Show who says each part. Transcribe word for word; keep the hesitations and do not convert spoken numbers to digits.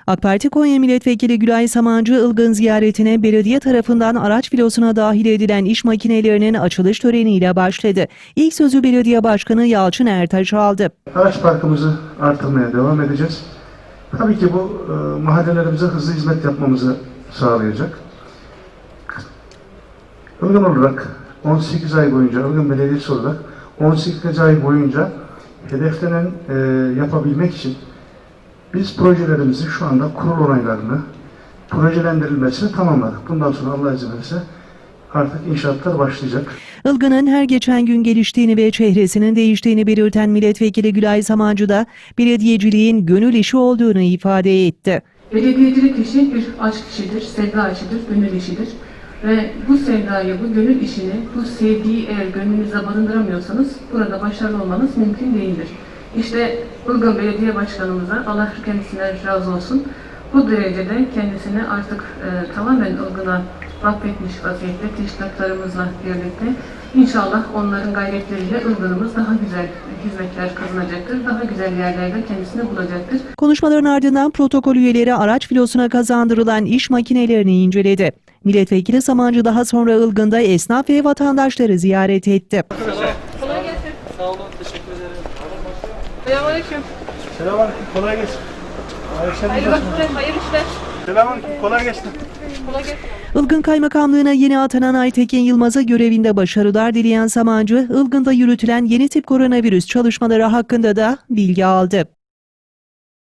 Speaker 1: AK Parti Konya Milletvekili Gülay Samancı, Ilgın ziyaretine belediye tarafından araç filosuna dahil edilen iş makinelerinin açılış töreniyle başladı. İlk sözü belediye başkanı Yalçın Ertaş aldı.
Speaker 2: Araç parkımızı artırmaya devam edeceğiz. Tabii ki bu e, mahallelerimize hızlı hizmet yapmamızı sağlayacak. Ilgın olarak on sekiz ay boyunca, Ilgın Belediyesi olarak on sekiz ay boyunca hedeflenen e, yapabilmek için biz projelerimizi şu anda kurul onaylarını, projelendirilmesini tamamladık. Bundan sonra Allah izin verirse artık inşaatlar başlayacak.
Speaker 1: Ilgın'ın her geçen gün geliştiğini ve çehresinin değiştiğini belirten Milletvekili Gülay Samancı da belediyeciliğin gönül işi olduğunu ifade etti.
Speaker 3: Belediyecilik işi bir aşk işidir, sevda işidir, gönül işidir. Ve bu sevdayı, bu gönül işini, bu sevgiyi eğer gönlünüzde barındıramıyorsanız burada başarılı olmanız mümkün değildir. İşte Ilgın Belediye Başkanımıza Allah kendisinden razı olsun. Bu derecede kendisini artık e, tamamen Ilgın'a vakfetmiş vaziyette teşkilatlarımızla birlikte inşallah onların gayretleriyle Ilgın'ımız daha güzel hizmetler kazanacaktır. Daha güzel yerlerde kendisini bulacaktır.
Speaker 1: Konuşmaların ardından protokol üyeleri araç filosuna kazandırılan iş makinelerini inceledi. Milletvekili Samancı daha sonra Ilgın'da esnaf ve vatandaşları ziyaret etti.
Speaker 4: Kolay gelsin. Sağ olun, teşekkür ederim.
Speaker 3: Selamünaleyküm.
Speaker 5: Selamünaleyküm, kolay gelsin.
Speaker 3: Hayırlı vakitler, hayırlı işler.
Speaker 5: Selamünaleyküm, kolay gelsin.
Speaker 3: Kolay gelsin.
Speaker 1: Ilgın Kaymakamlığı'na yeni atanan Aytekin Yılmaz'a görevinde başarılar dileyen Samancı, Ilgın'da yürütülen yeni tip koronavirüs çalışmaları hakkında da bilgi aldı.